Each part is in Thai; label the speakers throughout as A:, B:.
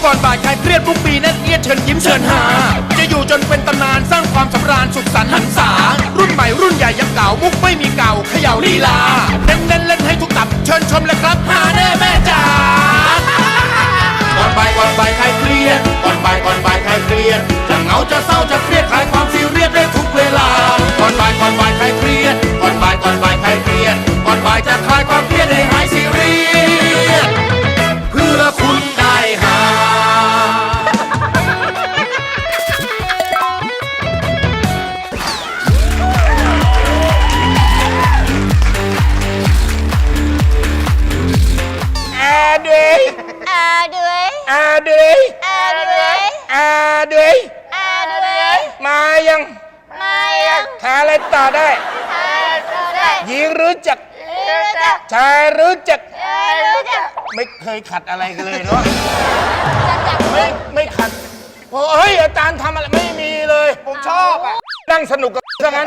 A: ก่อนบ่ายคลายเครียดทุกปีแน่นเอียดเชิญยิ้มเชิญหาจะอยู่จนเป็นตำนานสร้างความสำราญสุขสันต์หันษารุ่นใหม่รุ่นใหญ่ยังเก่ามุกไม่มีเก่าเขย่าลีลาเน้นเล่นให้ทุกตับเชิญชมเลยครับหาแน่แม่จ๋าก่อนบ่ายคลายเครียดก่อนบ่ายคลายเครียดจะเหงาจะเศร้าจะเครียดคลายความซีเรียสได้ทุกเวลาก่อนบ่ายคลายเครียดก่อนบ่ายคลายเครียดก่อนบ่ายจะคลายความเครียดให้หายซีเรียสเพื่อคุณได้หา
B: หาอะไรต่อได้หญิงรู้จักชายรู้จักไม่เคยขัดอะไรกันเลยเนาะไม่ขัดเฮ้ยอาจารย์ทำอะไรไม่มีเลยผมชอบอ่ะนั่งสนุกกับซะงั้น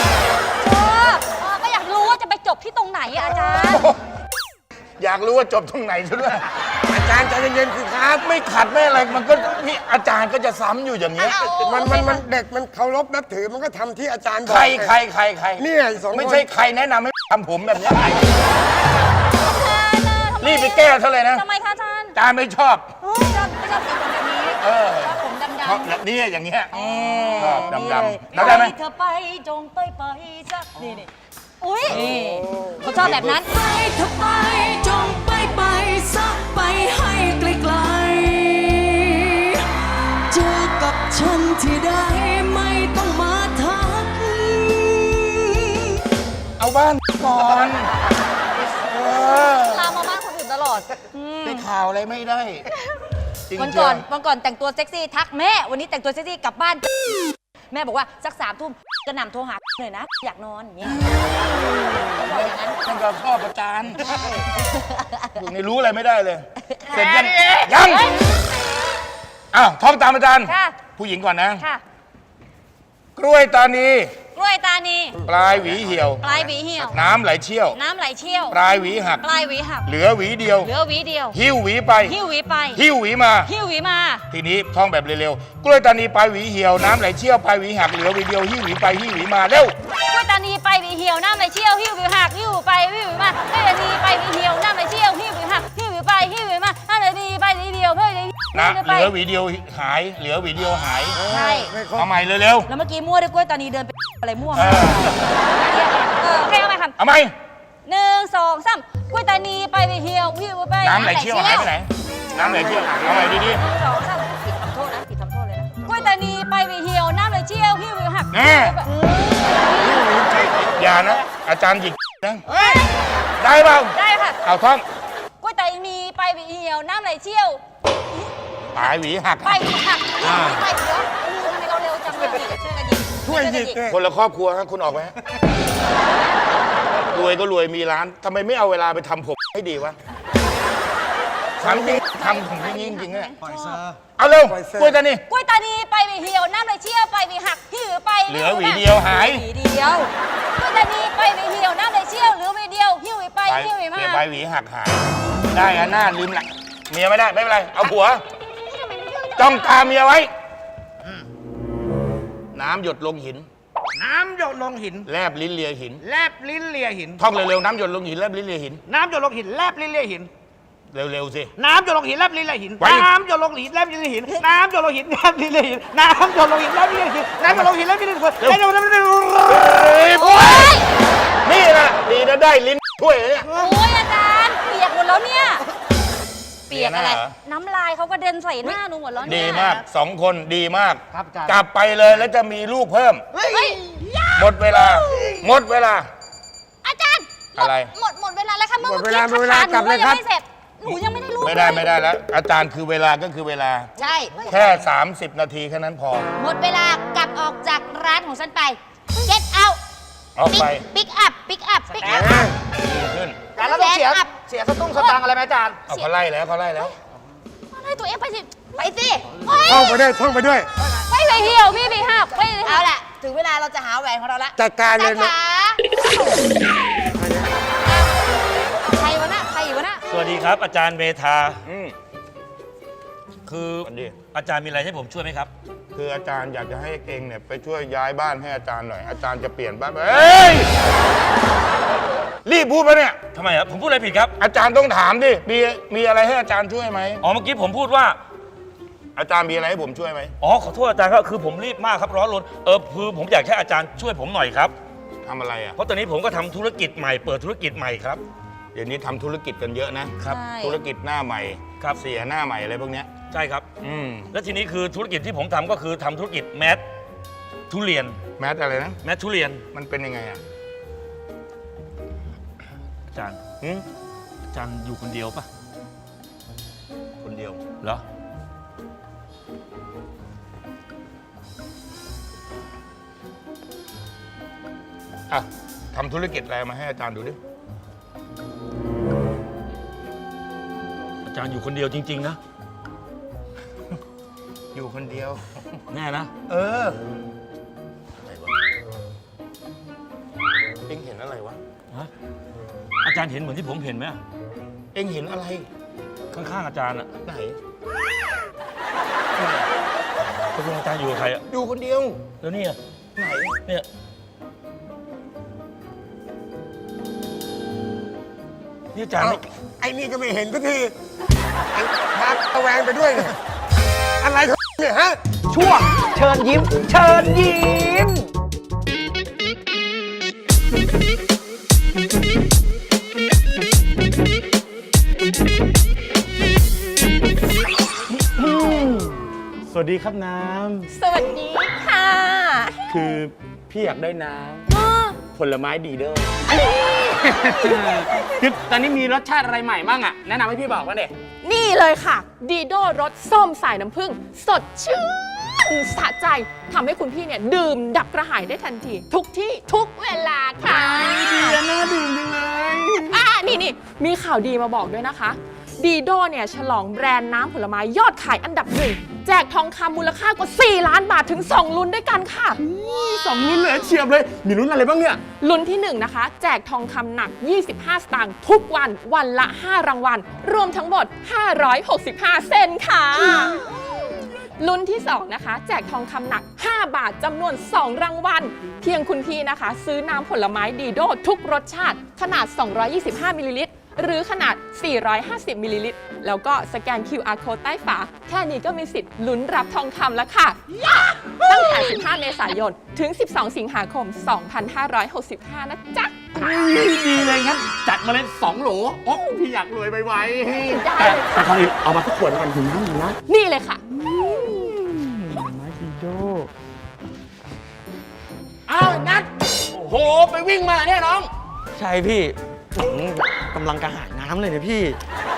C: ก็อยากรู้ว่าจะไปจบที่ตรงไหนอาจารย์
B: อยากรู้ว่าจบตรงไหนซะด้วยอาจารย์ใจเย็นๆสิครับไม่ขัดไม่อะไรมันก็นี่อาจารย์ก็จะซ้ำอยู่อย่างนี้
D: มันเด็กมันเคารพนับถือมันก็ทำที่อาจารย์บอก
B: ใคร
D: นี่สองคน
B: ไม่ใช่ใครแนะนำให้ทำผมแบบนี้รีบไปแก้เท่าเลยนะ
C: ทำไมคะอาจารย์
B: อาจารย์ไม่ชอบ
C: ไม่ชอบสีผมแบบนี้ผมดำ
B: นี่อย่างเงี้ยดำ
C: ได้ไหมเธอไปจงไปสักนี่อุ้ยเขาชอบแบบนั้น
E: ไปเธอไปจงไปสักไปให้ไกลๆเจอกับฉันที่ใดไม่ต้องมาทัก
B: เอาบ้านก่อน
C: ลามมาบ้านคนอื่นตลอด
B: ได้ข่าวอะไรไม่ได้
C: วันก่อนแต่งตัวเซ็กซี่ทักแม่วันนี้แต่งตัวเซ็กซี่กลับบ้านแม่บอกว่าสัก3 ทุ่มกระหน่ำโทรหาหน่อยนะอยากนอนอย่างเงี้ยบอกอย่างนั้น
B: ท่านก็ชอบอาจารย์พวกนี้รู้อะไรไม่ได้เลยเสร็จยังอ้าวท่องตามอาจารย์ผู้หญิงก่อนนะกล้วยตานีปลายหวีเหี่ยวน้ำไหลเชี่ยวปลายหวีหักเหลือหวีเดียวหิ้วหวีไปหิ้วหวีมาทีนี้ท่องแบบเร็วๆกล้วยตานีปลายหวีเหี่ยวน้ำไหลเชี่ยวปลายหวีหักเหลือหวีเดียวหิ้วหวีไปหิ้วหวีมาเร็ว
C: กล้วยตานีไปหวีเหี่ยวน้ำไหลเชี่ยวหิ้วหวีหักหิ้วไปหิ้วหวีมากล้วยตานีไปหวีเหี่ยวน้ำไหลเชี่ยวหิ้วหวีหักหิ้วหวีไปหิ้วหวีมาน้ำไหลดีไปหวีเดียวเพื่อ
B: นะเหลือหวีเดียวหายเหลือหวีเดียวหาย
C: ใช่
B: เอาใหม่เร็ว
C: ๆแล้วเมื่อกี้มั่วด้วยกล้วยตานีเดินไปอะไรมั่วมาใครเอาใหม่ครับ
B: เอาใหม่
C: 1 2 3กล้วยตานีไปหวีเหี่ยวหิ้วไป
B: น้ำไหลเชี่ยวหายไปไหนน้ำไหลเชี่ยวเอาใหม่ดี
C: ๆ1 2 3ผิดทำโทษเลยนะกล้วยตานีไปหวีเหี่ยวน้ำไหลเชี่ยวหิ้วหวีหัก
B: อย่านะอาจารย์หยิกนะได้เปล่า
C: ได้ค่ะ
B: เอาท่อง
C: กล้วยตานีไปหวีเหี่ยวน้ำไหลเชี่ยว
B: ปลายหวีหัก
C: ไปหวีหักไปเดี๋ยวทำไมเราเร็วจังเลยช่วยกันยิง
D: ช่วยยิง
B: คนละครอบครัวครับคุณออกไหมรวยก็รวยมีร้านทำไมไม่เอาเวลาไปทำผมให้ดีวะทำจริงทำผมจริงจริงเนี่ยเอาเร็วกล้วยตา
C: นีไปหวีเหี่ยวน้ำไหลเชี่ยวไปหวีหักหิ้วไป
B: เหลือหวีเดียวหาย
C: หวีเดียวกล้วยตานีไปหวีเหี่ยวน้ำไหลเชี่ยวเหลือหวีเดียวหิ้วไปหิ้วมา
B: ไปหวีหักหายได้อะหน้าลืมละเมียไม่ได้ไม่เป็นไรเอาผัวจ้องตาเมียไว้น้ำหยดลงหินแลบลิ้นเลียหินท่องเร็วๆน้ำหยดลงหินแลบลิ้นเลียหิน
F: น้ำหยดลงหินแลบลิ้นเลียหิน
B: เร็วๆสิ
F: น้ำหยดลงหินแลบลิ้นเลียหินน้ำหยดลงหินแลบลิ้นเลียหินน้ำหยดลงหินแลบลิ้นเลียหินน้ำหยดลงหินแลบลิ้นเลียหินน้ำหยดลงหินแลบลิ้นเลียหิน
B: นี่นะดีนะได้ลิ้นถ้วยเนี่ย
C: โอ้ยอาจารย์เปียกหมดแล้วเนี่ยเปียกอะไรน้ำลายเขาก็เดินใส่หน้าหนูหมดแล้วเนี่ย
B: ดีมาก2 คนดีมากกลับไปเลยแล้วจะมีลูกเพิ่มหมดเวลา
C: อาจารย์
B: อะไร
C: หมดเวลาแล้วค่ะเมื่อกี้กลับเลยครับหนูยังไม่ได้ลูก
B: ไม่ได้แล้วอาจารย์คือเวลาก็คือเวลา
C: ใช่
B: แค่30 นาทีแค่นั้นพอ
C: หมดเวลากลับออกจากร้านของฉันไป get out
B: ออกไป
C: pick up
B: ขึ้น
F: แต่เราต้องเสียสตุ้งสตางค์อะไรไหมอาจารย์
B: เขาไล่แล้ว
C: ให้ตัวเองไปสิ
D: ท่องไปด้วยท่องไปด้วย
C: ไปเลยเหี่ยวพี่ไปหักไปเอาแหละถึงเวลาเราจะหาแหวนของเราละ
D: จัดการเลยนะ
C: ใครวะน่ะ
G: สวัสดีครับอาจารย์เมธาคือ
B: สวัสดี
G: อาจารย์มีอะไรให้ผมช่วยไหมครับ
B: คืออาจารย์อยากจะให้เองเนี่ยไปช่วยย้ายบ้านให้อาจารย์หน่อย อาจารย์จะเปลี่ยนบ้านเฮ้ย รีบพูดปะเนี่ย
G: ทำไมครับผมพูดอะไรผิดครับ
B: อาจารย์ต้องถามดิ มีอะไรให้อาจารย์ช่วยไหม
G: อ๋อเมื่อกี้ผมพูดว่า
B: อาจารย์มีอะไรให้ผมช่วยไหม
G: อ๋อขอโทษอาจารย์ครับคือผมรีบมากครับร้อนรนคือผมอยากให้อาจารย์ช่วยผมหน่อยครับ
B: ทำอะไรอ่ะ
G: เพราะตอนนี้ผมก็ทำธุรกิจใหม่เปิดธุรกิจใหม่ครับ
B: เดี๋ยวนี้ทำธุรกิจกันเยอะนะ
G: ครับ
C: ใช่
B: ธุรกิจหน้าใหม่
G: ครับ
B: เสียหน้าใหม่อะไรพวกเนี้ย
G: ใช่ครับ
B: อืม
G: และทีนี้คือธุรกิจที่ผมทำก็คือทำธุรกิจแมสทุเรียน
B: แมทอะไรนะ
G: แมสทุเรียน
B: มันเป็นยังไงอ่ะ
G: อาจารย์
B: หืม
G: อาจารย์อยู่คนเดียวปะ
B: คนเดียว
G: เหรอ
B: อ่ะทำธุรกิจอะไรมาให้อาจารย์ดูดิ
G: อาจารย์อยู่คนเดียวจริงๆนะ
B: อยู่คนเดียว
G: แน่นะ
B: เออ เอ็งเห็นอะไรวะ
G: ฮะอาจารย์เห็นเหมือนที่ผมเห็นไหม
B: เอ็งเห็นอะไร
G: ข้างๆอาจารย์อะ
B: ไหน
G: ตกลงอาจารย์อยู่กับใครอะ
B: อยู่คนเดียว
G: แล้วเนี่ย
B: ไหน
G: เนี่ยนี่อาจารย์
D: เอ้า
G: ไม่
D: ไอ้นี่ก็ไม่เห็นสักทีไอ้พาระแวงไปด้วยเนี่ยอะไรของเนี่ยฮะ
F: ช่วงเชิญยิ้ม เชิญยิ้ม สวัสดีครับน้
C: สวัสดีค่ะ
F: ำ คือพี่อยากได้น้ำผลไม้ดีเด้อคือตอนนี้มีรสชาติอะไรใหม่บ้างอ่ะ แนะนำให้พี่บอกว่าเด็
H: นี่เลยค่ะ ดีโดรสส้มสายน้ำผึ้งสดชื่นสะใจทำให้คุณพี่เนี่ยดื่มดับกระหายได้ทันที ทุกที่ทุกเวลาค่ะ
F: น่าดื่มจังเลย
H: นี่มีข่าวดีมาบอกด้วยนะคะ ดีโดเนี่ยฉลองแบรนด์น้ำผลไม้ยอดขายอันดับหนึ่งแจกทองคำมูลค่ากว่า 4 ล้านบาทถึง 2 ลุ้นด้วยกันค่ะ
F: 2 ลุ้นเลยเฉียบเลย มีลุ้นอะไรบ้างเนี่ย
H: ลุ้นที่ 1 นะคะ แจกทองคำหนัก 25 สตางค์ทุกวันวันละ 5 รางวัล รวมทั้งหมด 565 เซนค่ะ ลุ้นที่ 2 นะคะ แจกทองคำหนัก 5 บาทจำนวน 2 รางวัล เพียงคุณพี่นะคะ ซื้อน้ำผลไม้ดีโดทุกรสชาติ ขนาด 225 มิลลิลิตร หรือขนาด 450 มิลลิลิตร แล้วก็สแกน QR code ใต้ฝา แค่นี้ก็มีสิทธิ์ลุ้นรับทองคำแล้วค่ะ ตั้งแต่ 15 เมษายน ถึง 12 สิงหาคม 2565 นะจ๊ะ
F: ดีเลยงั้น จัดมาเลย2 โหล โอ้พี่อยากรวยไวๆ
H: ได้เลยค่ะ
F: แต่ก่อนอื่นเอามาสักขวดก่อนถึงน้ำถึงนะ
H: นี่เลยค่ะ
F: ไม้ดีโดอ้าวนัดโอ้โห ไปวิ่งมาเนี่ยน้อง
I: ใช่พี่กำลังกระหายน้ำเลยเนี่ยพี่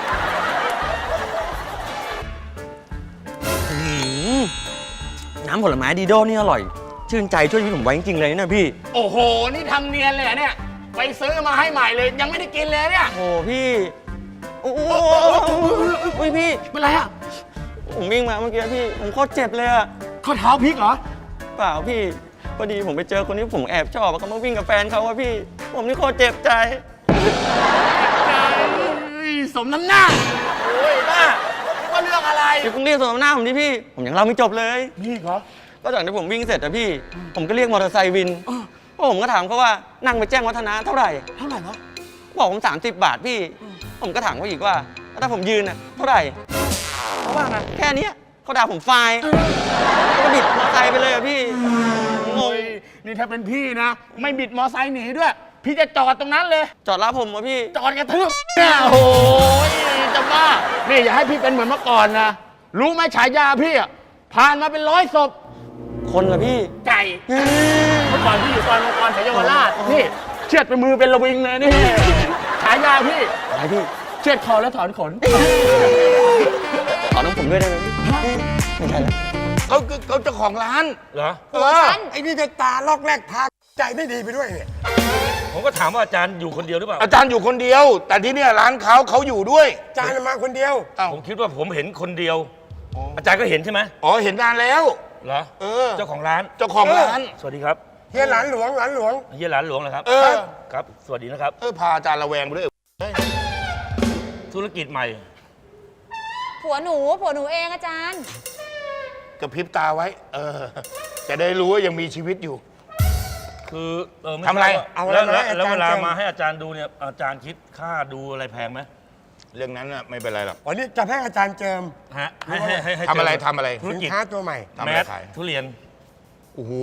I: อื้อหือน้ำผลไม้ดีโดนี่อร่อย ชื่นใจช่วยชีวิตผมไว้จริงๆเลยนะพี่
F: โอ้โห นี่ทำเนียนเลยเหรอเนี่ย ไปซื้อมาให้ใหม่เลย ยังไม่ได้กินเลยเนี่ย
I: โอ้พี่โอ้โหอุ้ยพี่
F: เป็นไรอ่ะ
I: ผมวิ่งมาเมื่อกี้พี่ ผมโคตรเจ็บเลยอะ
F: ข้อเท้าพลิกเหรอ
I: เปล่าพี่ พอดีผมไปเจอคนที่ผมแอบชอบเขามาวิ่งกับแฟนเขาอะพี่ ผมนี่โคตรเจ็บใจ
F: สมน้ำหน้า โอ้ยบ้าก็เรื่องอะไร
I: พี่เพิ่งเรียกสมหน้าผมดิพี่ ผมยังเล่าไม่จบเลย
F: นี่เหรอ
I: ก็จากที่ผมวิ่งเสร็จอะพี่ ผมก็เรียกมอเตอร์ไซค์วินเพราะผมก็ถามเขาว่านั่งไปแจ้งวัฒนะเท่าไหร่
F: เท่าไหร่วะ
I: บอกผม30 บาทพี่ ผมก็ถามเขาอีกว่าแล้วถ้าผมยืนอะเท่าไหร่เขาว่าไงแค่เนี้ยเขาด่าผมไฟล์ก็บิดมอเตอร์ไซค์ไปเลยอะพี่ง
F: โอ้
I: ง
F: ย นี่ถ้าเป็นพี่นะ ไม่บิดมอไซค์หนีด้วย พี่จะจอดตรงนั้นเลย
I: จอดรับผมอะพี่
F: จอดกระทืบเนี่ยโอ้โหจะบ้า นี่อย่าให้พี่เป็นเหมือนเมื่อก่อนนะ รู้ไหมฉายาพี่อ่ะ ผ่านมาเป็น100 ศพ
I: คนเหรอพี่
F: ไก่ เมื่อก่อนพี่อยู่ซอยมังกรแถวเยาวราช นี่ เชือดไปมือเป็นระวิงเลยนี่ ฉายาพี่
I: อะไรพี่
F: เชือดคอแล้วถอนขน
I: ขอน้องผมด้วยได้ไหมพี่ไม่ใช่แล้ว
B: เขาเจ้าของร้าน
G: เหรอ
D: ไอ้นี่จะตาลอกแรกพาใจไม่ดีไปด้วยเนี่ย
G: ผมก็ถามว่าอาจารย์อยู่คนเดียวหรือเปล่า
B: อาจารย์อยู่คนเดียว แต่ที่เนี่ยร้านเขาอยู่ด้วย
D: จานมาคนเดียว
B: อ้าว
G: ผมคิดว่าผมเห็นคนเดียว อาจารย์ก็เห็นใช่ไหม
B: อ๋อเห็นนานแล้ว
G: เหรอ
B: เออ
G: เจ้าของร้าน
B: เจ้าของร้าน
G: สวัสดีครับ
D: เฮียหลานหลวงหลานหลวง
G: เฮียหลานหลวงเหรอครับ
B: เออ
G: ครับ สวัสดีนะครับ
B: พาอาจารย์ระแวงไปด้วย
G: ธุรกิจใหม่
C: ผัวหนูเองอาจารย์
B: กระพริบตาไว้ จะได้รู้ว่ายังมีชีวิตอยู่
G: คือม่
B: ทำอะไร
G: ทาบ
D: เอา
G: แล้ว
D: อะไร
G: แล้ว
D: ให้อาจารย์
G: เวลา
D: เจิม
G: มาให้อาจารย์ดูเนี่ยอาจารย์คิดค่าดูอะไรแพงไหม
B: เรื่องนั้นน่ะไม่เป็นไรหรอก
D: อ๋อนี่จะให้อาจารย์เจิม
G: ฮะให้
B: ทำอะไร
G: เจิม
B: ทำอะไร
G: ธุร
D: สิน
G: กิจ
D: ค้าตัวใหม่
B: ทำ
G: แม
B: อะไร
G: ส
B: ขาย
G: ทุเรียน
B: โอ้โห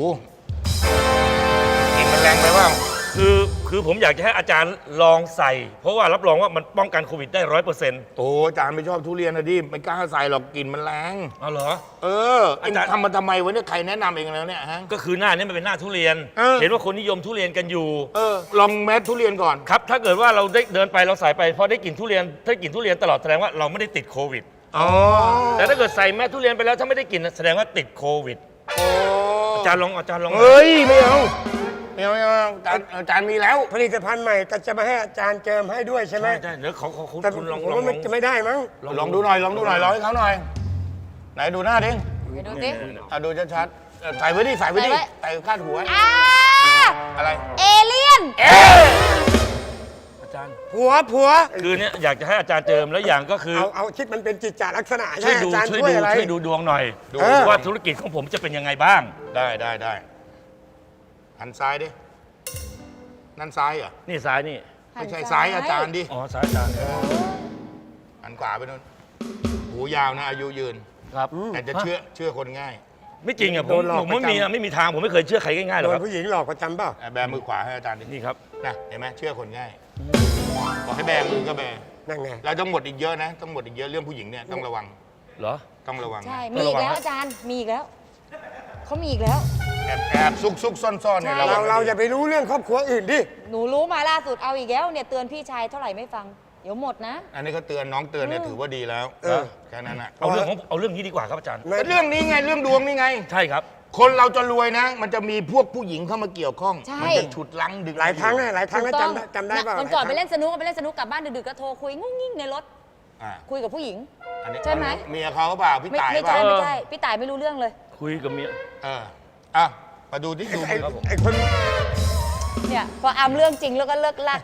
B: กินมันแรงไปบ้าง
G: คือผมอยากจะให้อาจารย์ลองใส่ เพราะว่ารับรองว่ามันป้องกันโควิดได้100%
B: โอ้อาจารย์ไม่ชอบทุเรียนนะดิไม่กล้าใส่หรอกกลิ่นมันแรง
G: เอาเหรอ
B: เออเอ็งทำมาทำไมวะเนี่ยใครแนะนำเองแล้วเนี่ยฮะ
G: ก็คือหน้านี้มันเป็นหน้าทุเรียน
B: เออ
G: เห็นว่าคนนิยมทุเรียนกันอยู่
B: ลองแมสทุเรียนก่อน
G: ครับ ถ้าเกิดว่าเราได้เดินไปเราใส่ไปพอได้กลิ่นทุเรียนถ้ากลิ่นทุเรียนตลอดแสดงว่าเราไม่ได้ติดโควิด
B: อ๋อ
G: แต่ถ้าเกิดใส่แมสทุเรียนไปแล้วถ้าไม่ได้กลิ่นแสดงว่าติดโควิด
B: โอ้
G: อาจารย์ลอง
B: เฮ้ยไม่เอาอาจารย์มีแล้ว
D: ผลิตภัณฑ์ใหม่ก็จะมาให้อาจารย์เจิมให้ด้วยใช่ไหม
G: ใช่เดี๋ยวคุณ
D: แต่
G: คุณลอง
D: ผมว่ามันจะไม่ได้มั้ง
B: ลองดูหน่อยลองให้เขาหน่อย ไหนดูหน้าดิ
C: ไปดูสิ
B: ดูชัดๆใส่ไว้ดิใส่ไว้ดิ
C: ใส่ไว้
B: ใส่คาดหัว อะไร
C: เอเลี่ยน
G: อาจารย์
D: ผัว
G: คือเนี่ยอยากจะให้อาจารย์เจิมแล้วอย่างก็คือ
D: เอาคิดมันเป็นจิตจาลักษณะ
G: ช่วย
D: ให้
G: ดู
D: อาจารย์
G: ช่วย
D: ช่วย
G: ดู
D: อะไร
G: ช่วยดูดวงหน่อย
B: ดู
G: ว่าธุรกิจของผมจะเป็นยังไงบ้าง
B: ได้หันซ้ายดินั่นซ้ายเหรอ
G: นี่ซ้ายนี่
B: ไม่ใช่ซ้ายอาจารย์ดิ
G: อ๋อซ้ายอาจารย์
B: หันขวาไปนู่นหูยาวนะอายุยืน
G: ครับ
B: แต่จะเชื่อคนง่าย
G: ไม่จริงอะผ
D: โด
G: ม
D: นหลอก
G: ไม่มีทางผมไม่เคยเชื่อใครง่ายๆหร
D: โด
G: อก
D: น
G: ครับ
D: ผู้หญิงหลอกประจำเปล่า
B: แบมือขวาให้อาจารย์ดิ
G: นี่ครับ
B: นะเห็นไหมเชื่อคนง่ายบอกให้แบมือก็แบ
D: นั่นไง
B: เราต้องหมดอีกเยอะนะต้องหมดอีกเยอะเรื่องผู้หญิงเนี่ยต้องระวัง
G: เหรอ
B: ต้องระวัง
C: ใช่ มีอีกแล้วอาจารย์ มีอีกแล้ว เขามีอีกแล้ว
B: แอบซุกซ่อนเนี่ย
C: ใช่
B: ระวัง
D: เราอย่าไปรู้เรื่องครอบครัวอื่นดิ
C: หนูรู้มาล่าสุดเอาอีกแล้วเนี่ยเตือนพี่ชายเท่าไหร่ไม่ฟัง เดี๋ยวหมดนะ
B: อันนี้ก็เตือนน้องเตือนเนี่ยถือว่าดีแล้วแค่นั้นน่ะ
G: เอาเรื่องนี้ดีกว่าครับอาจารย์
B: เรื่องนี้ไงเรื่องดวงนี่ไง
G: ใช่ครับ
B: คนเราจะรวยนะ มันจะมีพวกผู้หญิงเข้ามาเกี่ยวข้อง
C: ใช่
B: มัจะฉุดลังดึง
D: หลายครั้งนะหลายครั้ง
C: ถู
D: นะ
C: กต้อง
D: จำได้เปล่า
C: วันก่อนไป
D: หลายครั้ง
C: เล่นสนุกกลับบ้านดึกๆก็โทรคุยงุ้งงิ่งในรถ
B: อ่า
C: คุยกับผู้หญิง
B: อันนี้
C: ใช่ไหม
B: เมียเขาเปล่าพี่
C: ไม่
B: ตาย
C: ไม่
B: เปล่า
C: ใช่ไม่ใช่ พี่ต่ายไม่รู้เรื่องเลย
G: คุยกับเมีย
B: อ่ะมาดูที่ดู
D: ไอ้
B: ครับผม
D: ไอ้คน
C: เนี่ยพออามเรื่องจริงแล้วก็เลิกลัก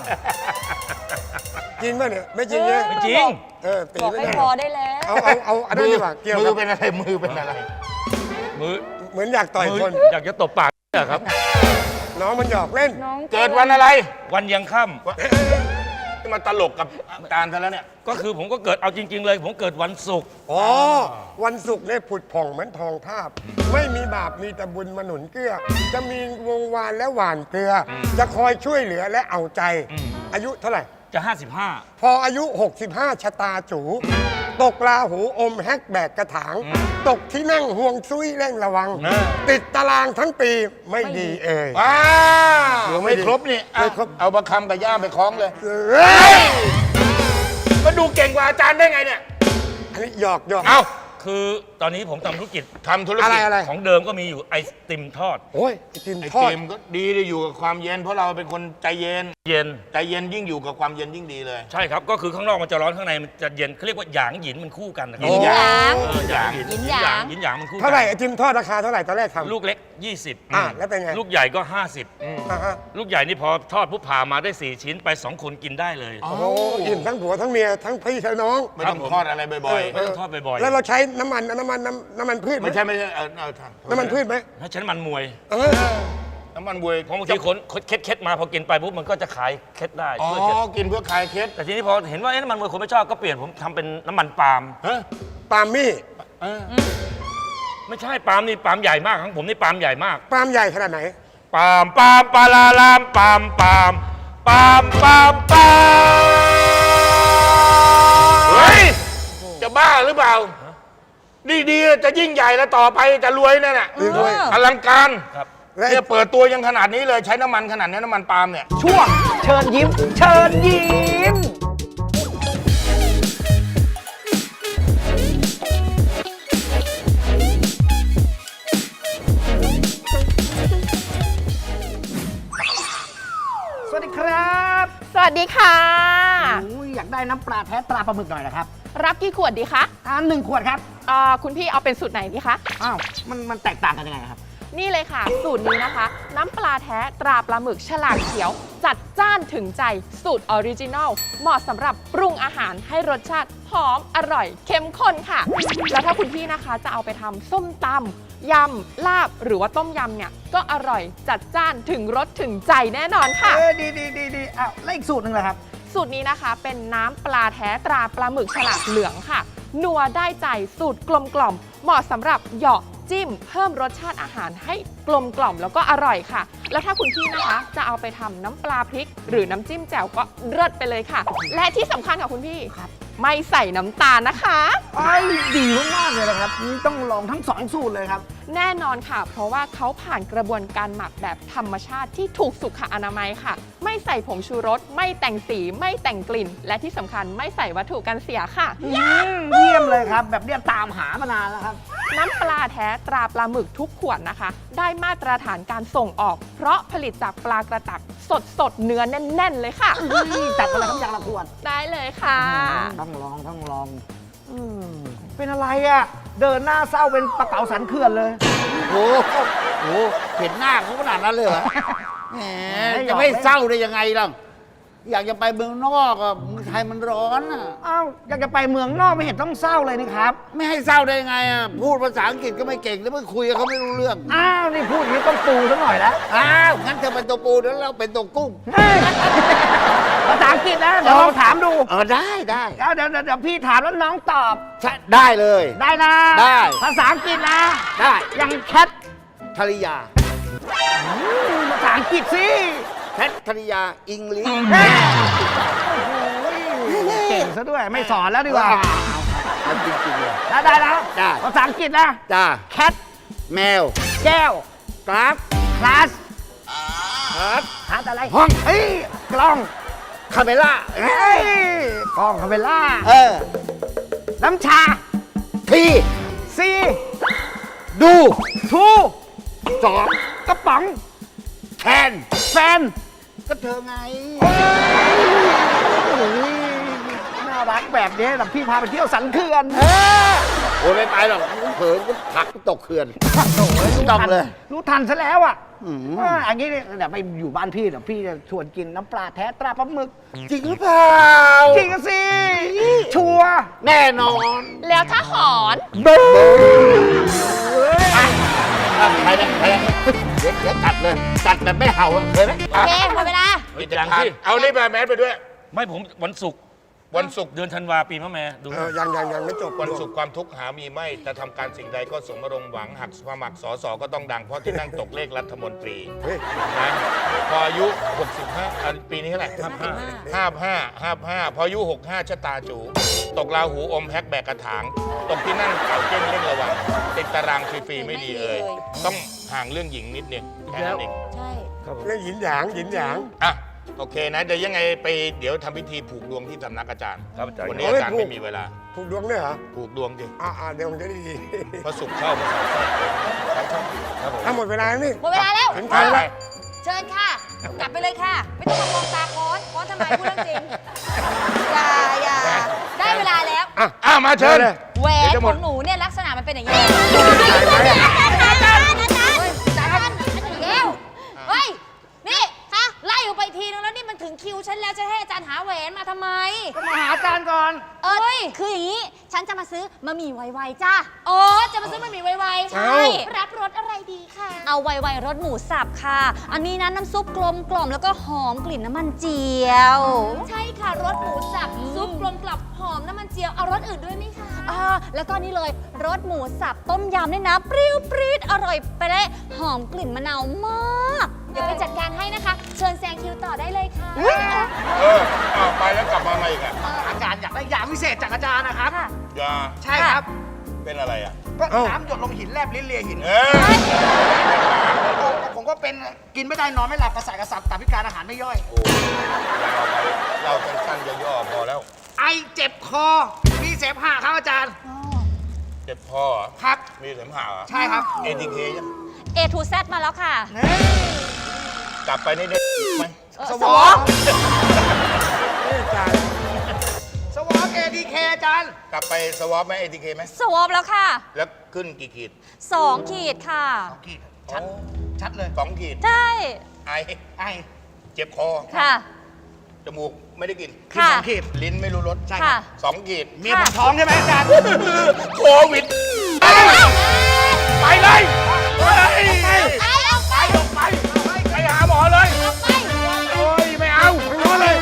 D: จริงป่ะเนี่ยไม่จริงเนี่ย
G: ไม่จริง
D: ตี
C: บอก
D: ไม่
C: ให้
D: ได้
C: พอได้แล้ว
D: เอาอันนั้นดีกว่าเกี่ยว
B: มื
D: กั
B: อบ เป็นอะไรมือเป็นอะไร
G: มือ
D: เหมือนอยากต่อยคน
G: อยากจะตบปากเนี่ยครับ
D: น้องมันหยอกเล่น
C: น้อง
B: เกิดวันอะไร
G: วันยังค่ำ
B: ที่มาตลกกับอาจารย์ซะแล้วเนี่ย
G: ก็คือผมก็เกิดเอาจริง ๆ เลย ผมเกิดวันศุกร์
D: อ๋อ วันศุกร์เนี่ยผุดผ่องเหมือนทองทาบ ไม่มีบาปมีแต่บุญมาหนุนเกื้อ จะมีวงวานและหวานเกลืออจะคอยช่วยเหลือและเอาใจ อายุเท่าไหร่
G: จะ
D: พออายุ 65 ชะตาจู ตกราหูอมแฮกแบกกระถาง ตกที่นั่งห่วงซุยเร่งระวัง ติดตารางทั้งปีไม่ดีเอ่ย
B: ว้าว
D: หรือไม่
B: ไม่
D: ดี
B: ครบนี่อ่ะ
D: ไม่ครบ
B: เอาประคำกับย่ามไปคล้องเลย
D: เฮ้ย
B: ก็ดูเก่งกว่าอาจารย์ได้ไงเนี่ย
D: อันนี้หยอก
B: เอ้า
G: 65 คือตอนนี้ผมทำธุรกิจ
B: ทำธุร
D: อะไร
B: กิจ
D: อะไร
G: ของเดิมก็มีอยู่ไอติมทอด
D: โอ้ยไอติม
B: ไอ
D: ทอด
B: ติมก็ดีได้อยู่กับความเย็น เพราะเราเป็นคนใจเย็น
G: เย็น
B: ใจเย็นยิ่งอยู่กับความเย็นยิ่งดีเลย
G: ใช่ครับ ก็คือข้างนอกมันจะร้อนข้างในมันจะเย็นเขาเรียกว่าหยางหยินมันคู่กันนะครั
B: หยินหยาง
G: หยาง
C: หยินหยาง
G: หยินหยางมันคู่กัน
D: เท่าไหร่ไอติมทอดราคาเท่าไหร่ตอนแรกทำ
G: ลูกเล็ก 20
D: แล้วเป็นไง
G: ลูกใหญ่ก็
D: อ่าฮะ
G: 50 ลูกใหญ่นี่พอทอดปุ๊บผ่ามาได้ 4 ชิ้นไป 2 คนกินได้เลย
D: โอ้โหอิ่มทั้งผัวทั้งเมียทั้งพี่ทั้งน้อง
B: ไม่ต้องทอดอะไรบ่อย
G: ไม่ต้องทอดบ่อยๆ
D: แล้วเราใช้น้ำมันพืช
B: ๆ
D: ไหม
B: ไม่ใช่ทำ
D: น้ำมันพืชไหม
G: ถ้าฉันมันมวย
D: เออ
B: น้ำมันบวย
G: เพราะบางทีคนเคล็ดมาพอกินไปปุ๊บมันก็จะขายเคล็ดได้
B: อ๋อ
G: ช่วยเคล็ด
B: กินเพื่อคลายเคล็ด
G: แต่ทีนี้พอเห็นว่าน้ำมันมวยคนไม่ชอบก็เปลี่ยนผมทำเป็นน้ำมันปาล์ม
B: ฮะ
D: ปาล์มมี่
G: ไม่ใช่ปาล์มนี่ปาล์มใหญ่มากของผมนี่ปาล์มใหญ่มาก
D: ปาล์มใหญ่ขนาดไหน
G: ปาล์มปาลาลามปาล์มปาล์มปาล์มปาล์มปาล์ม
B: เฮ้ย จะบ้าหรือเปล่า ดีๆจะยิ่งใหญ่แล้วต่อไปจะรวยนั่นน่ะ
D: รวย
B: อลังการ
G: ครับ
D: และ
B: เนี่ยเปิดตัวยังขนาดนี้เลยใช้น้ำมันขนาดนี้น้ำมันปาล์มเนี่ย
J: ช่วงเชิญยิ้ม เชิญยิ้ม สวัสดีครับ
H: สวัสดีค่ะ
J: อุ้ยอยากได้น้ำปลาแท้ตราปลาหมึกหน่อยนะครับ
H: รับกี่ขวดดีคะ
J: 1 ขวดครับ
H: คุณพี่เอาเป็นสูตรไหนดีคะ
J: อ้าว มันแตกต่างกันยังไงครับ
H: นี่เลยค่ะ สูตรนี้นะคะ น้ำปลาแท้ตราปลาหมึกฉลากเขียว จัดจ้านถึงใจสูตรออริจินัลเหมาะสำหรับปรุงอาหารให้รสชาติหอมอร่อยเข้มข้นค่ะ แล้วถ้าคุณพี่นะคะจะเอาไปทำส้มตำยำลาบหรือว่าต้มยำเนี่ยก็อร่อยจัดจ้านถึงรสถึงใจแน่นอนค่ะ
J: ดีอ้าวแล้วอีกสูตรหนึ่งเหรอครับ
H: สูตรนี้นะคะเป็นน้ำปลาแท้ตราปลาหมึกฉลากเหลืองค่ะ นัวได้ใจสูตรกลมกล่อมเหมาะสำหรับเหยาะจิ้มเพิ่มรสชาติอาหารให้กลมกล่อมแล้วก็อร่อยค่ะ แล้วถ้าคุณพี่นะคะจะเอาไปทำน้ำปลาพริก หรือน้ำจิ้มแจ่วก็เลิศไปเลยค่ะ และที่สำคัญค่ะคุณพี่ไม่ใส่น้ำตาลนะคะ
J: ไอ้ดีมากๆเลยนะครับ นี่ต้องลองทั้งสองสูตรเลยครับ
H: แน่นอนค่ะ เพราะว่าเขาผ่านกระบวนการหมักแบบธรรมชาติที่ถูกสุขอนามัยค่ะ ไม่ใส่ผงชูรส ไม่แต่งสี ไม่แต่งกลิ่น และที่สำคัญไม่ใส่วัตถุกันเสียค่ะ
J: เยี่ยมเลยครับ แบบเนี้ยตามหามานานแล้วครับ
H: น้ำปลาแท้ตราปลาหมึกทุกขวดนะคะ ได้มาตรฐานการส่งออก เพราะผลิตจากปลากระตักสดเนื้อแน่น ๆ เลยค่ะ
J: จัดไปเลยครับอย่างละขวด
H: ได้เลยค่ะ
J: ต้องลองเป็นอะไรอ่ะ เดินหน้าเศร้าเป็นปลาเก๋าสันเขื่อนเลย
F: โอ้โหเห็นหน้าเขาขนาดนั้นเลยเหรอแหม
J: ไม่หรอก
F: จะไม่เศร้าได้ยังไงล่ะ อยากจะไปเมืองนอกอ่ะเมืองไทยมันร้อนอ่ะ
J: อ้าวอยากจะไปเมืองนอกไม่เห็นต้องเศร้าเลยนี่ครับ
F: ไม่ให้เศร้าได้ไงอ่ะ พูดภาษาอังกฤษก็ไม่เก่งแล้วไม่คุยกับเขาไม่รู้เรื่อง
J: อ้าวนี่พูดอย่างนี้ต้องปูซะหน่อยแล้ว
F: อ้าว งั้นเธอเป็นตัวปูแล้วเราเป็นตัวกุ้ง
J: เฮ้ยภาษาอังกฤษนะเดี๋ยวลองถามดู
F: ได้
J: เดี๋ยวพี่ถามแล้วน้องตอบ
F: ใช่ได้เลย
J: ได้นะ
F: ได้
J: ภาษาอังกฤษนะ
F: ได้
J: ยังแคท
F: ธริยา
J: ภาษาอังกฤษสิ
F: แคทธริยาอังกฤษ
J: เก่งซะด้วยไม่สอนแล้วดีกว่า
F: เอาจริงๆเลย
J: ได้นะ
F: ได้
J: ภาษาอังกฤษนะ
F: จ้า
J: แคท
F: แมว
J: แก้ว
F: กราฟ
J: คลาส
F: ครับ
J: ฮาร์ดอะไร
F: ห้อง
J: เฮ้ยกล้อง
F: คาเมล่า
J: เฮ้ยกล้องคาเมล่า
F: เออ
J: น้ำชา
F: ที
J: ซี
F: ดู
J: ทู
F: สอง
J: กระป๋อง
F: แคน
J: แฟน
F: ก็เธอไง
J: โอ้ยน่ารักแบบนี้แบบพี่พาไปเที่ยวสันเขื่อน
F: โอ้ยไม่ไปหรอกเผลอก็ผลักตกเขื่อน
J: โอ้ย
F: ต้องเลย
J: รู้ทันซะแล้วอ่ะ
F: อืม
J: อันนี้เนี่ยเดี๋ยวไปอยู่บ้านพี่เดี๋ยวพี่จะชวนกินน้ำปลาแท้ตราปลาหมึก
F: จริงหรือเปล่า
J: จริงอะสิ ชัวร์
F: แน่นอน
H: แล้วถ้าหอน
F: ไปเลยเดี๋ยวกัดเลยกัดแบบไม่เห่าอะเคยไหม
C: โอเคหมดเวลา
G: อย่างที่
B: เอานี่ไปแมสไปด้วย
G: ไม่ผมวันศุกร์
B: วันศุกร์
G: เดือนธันวาปีมะแม่ดู
D: ยังไม่จบ
B: วันศุกร์ความทุกข์หามีไม่แต่ทำการสิ่งใดก็สมรงค์หวังหักสมัครสอสอก็ต้องดังเพราะที่นั่งตกเลขรัฐมนตรีนะพออายุ 65อันปีนี้เท่าไหร่55พออายุ 65ชะตาจูตกราหูอมแฮกแบกกระถาง ตกที่นั่งเก่าเจ้งเล่นระวังติดตารางฟรีๆไม่ดีเลย ต้องห่างเรื่องหญิงนิดนึงแค่นั้นเอง
C: ใช่
D: เรื่องหยินหยางหยินหยาง
B: อ่ะโอเคนะเดี๋ยวยังไงไปเดี๋ยวทำพิธีผูกดวงที่สำนักอาจารย์
G: ครับอาจารย์
B: วันนี้อาจารย์ไม่มีเวลา
D: ถูกดวงด้วยเหรอ
B: ผูกดวงดิ
D: เดี๋ยวผมจะได้ดี
B: พระศุกร์เข้าพระเสาร์เข้าครับผม
D: ถ้าหมดเวลาแล้วนี่
C: หมดเวลาแล้ว
D: ถึงใครแล้ว
C: เชิญค่ะ กลับไปเลยค่ะ ไม่ต้องมามองตาค้อนทำไมพูดเรื่องจริง อย่า ได้เวลาแล้ว
B: มาเชิญ
C: แหวน
B: เดี๋ยวจะห
C: ข
B: ม
C: อ
B: ด
C: งหนูเนี่ยลักษณะมันเป็นอย่างนี้อาจารย์แล้วเฮ้ย นี่คะไล่ออกไปทีนึงแล้วนี่มันถึงคิวฉันแล้วจะให้อาจารย์หาแหวนมาทำไม
J: ก็มาหาอาจารย์ก่อน
C: คืออย่างนี้ ฉันจะมาซื้อมะหมี่ไวๆจ้าอ๋อ จะมาซื้อมะหมี่ไวๆ ใช่ รับรสอะไรดีคะเอาไวๆรสหมูสับค่ะ อันนี้นะน้ำซุปกลมกล่อมแล้วก็หอมกลิ่นน้ำมันเจียว ใช่ค่ะรสหมูสับซุปกลมกล่อมหอมน้ำมันเจียว เอารสอื่นด้วยไหมคะแล้วก็นี่เลยรสหมูสับต้มยำเนี่ยนะ เปรี้ยวปรี๊ดอร่อยไปเลยหอมกลิ่นมะนาวมาก เดี๋ยวไปจัดการให้นะคะ เชิญแซงคิวต่อได้เลยค่ะ
B: ไปแล้วกลับมาใหม่อีกอ่ะ
J: อาจารย์อยากได้ยาพิเศษจากอาจารย์นะครับ
B: ยา
J: ใช่ครับ
B: เป็นอะไรอ่ะ
J: ก็น้ำหยดลงหินแลบลิ้นเลียหิน ผมก็เป็นกินไม่ได้นอนไม่หลับกระสายกระสับตับพิการอาหารไม่ย่อย
B: โอ้เราสั้นๆย่อๆพอแล้ว
J: ไอเจ็บคอ มีเสมหะครับอาจารย์
B: เจ็บคอเหรอ
J: ครับ
B: มีเสมหะเหรอ
J: ใช่ครับ
B: ATK ยัง
C: A to Z มาแล้วค่ะ
B: กลับไปนี่ได้ไหม
J: สวอปสวอป ADK อาจารย์
B: กลับไปสวอปไหม ATK ไหม
C: สวอปแล้วค่ะ
B: แล้วขึ้นกี่ขีด
C: 2 ขีดค่ะ
B: 2 ชัดเลย2 ขีด
C: ใช่
B: ไอเจ็บคอ
C: ค่ะ
B: จมูกไม่ได้กลิน
C: ค่ะ
B: 2 ขีด ลิ้นไม่รู้รส
C: ค่ะ
B: 2 ขีด
C: เมียผมท้องใช่ไหมอาจารย์
B: โควิด ไปเลยไปออกไปไปหาหมอเลยโอ้ยไม่เอาไปนอนเลย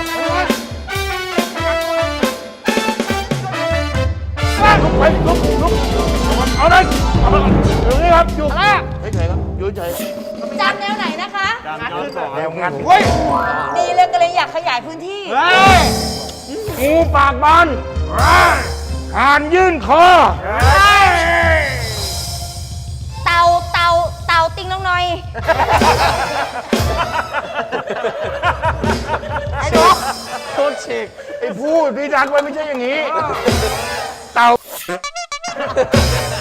B: ลุกเอาเลยเอาเลยอยู่นี่ครับอยู่เฉยๆครับอยู่เฉย
C: จำแนวไหนนะคะ
B: แนวงัดเฮ้ย
C: ดีเลยก็เลยอยากขยายพื้นที่
B: งูปากบานหานยื่นคอ
C: เต่าติงน้องหน่อย ไอ้หนู
B: โคตรเชกไอ้พูดพี่ดักไว้ไม่ใช่อย่างนี้ เต่า